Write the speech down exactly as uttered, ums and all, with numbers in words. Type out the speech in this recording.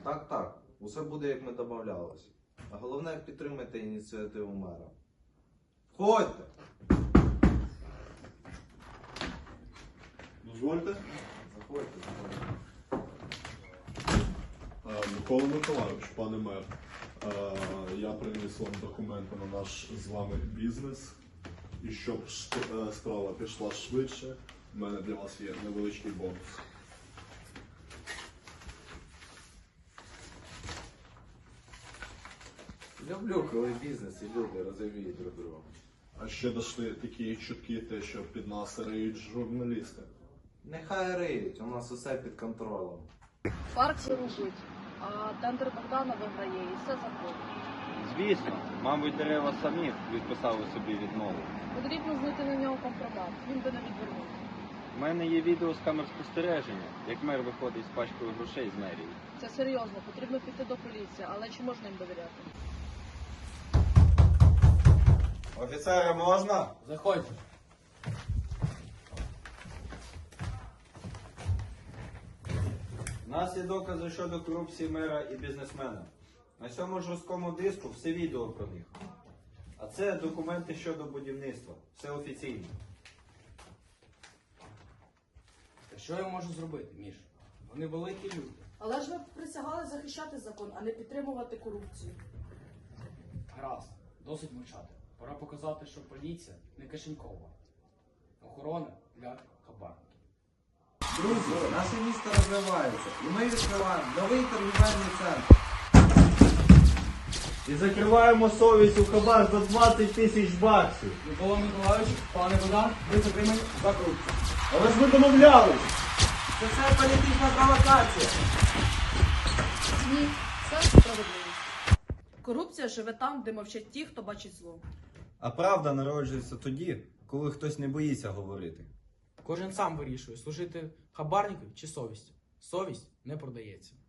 Так, так. Усе буде, як ми домовлялися. А головне, підтримайте ініціативу мера. Входьте! Дозвольте. Заходьте, заходьте. Е, Микола Миколайович, пане мер, е, я приніс вам документи на наш з вами бізнес. І щоб шт- е, справа пішла швидше, в мене для вас є невеличкий бонус. Люблю, коли бізнес і люди розуміють друг друга. А ще дошли такі чутки, те, що під нас риють журналісти. Нехай риють, у нас усе під контролем. Парк рубить, а тендер Богдана виграє і все заходить. Звісно, мабуть, дерева самі відписали собі відмову. Потрібно знайти на нього компромат, він би не відвернув. У мене є відео з камер спостереження, як мер виходить з пачкою грошей з мерії. Це серйозно, потрібно піти до поліції, але чи можна їм довіряти? Офіцери, можна? Заходьте. У нас є докази щодо корупції мера і бізнесмена. На цьому жорсткому диску все відео про них. А це документи щодо будівництва. Все офіційно. Та що я можу зробити, Міш? Вони великі люди. Але ж ви присягали захищати закон, а не підтримувати корупцію. Гаразд, досить мовчати. Пора показати, що поліція не кишенькова. Охорона для хабарників. Друзі, наше місто розвивається, і ми відкриваємо новий торгівельний центр. І закриваємо совість у хабар за двадцять тисяч баксів. Микола Миколайович, пане Богдан, ви затримані за корупцію. Але ж ми домовлялись! Це все політична провокація. Ні, це справедливість. Корупція живе там, де мовчать ті, хто бачить зло. А правда народжується тоді, коли хтось не боїться говорити. Кожен сам вирішує, служити хабарнику чи совістю. Совість не продається.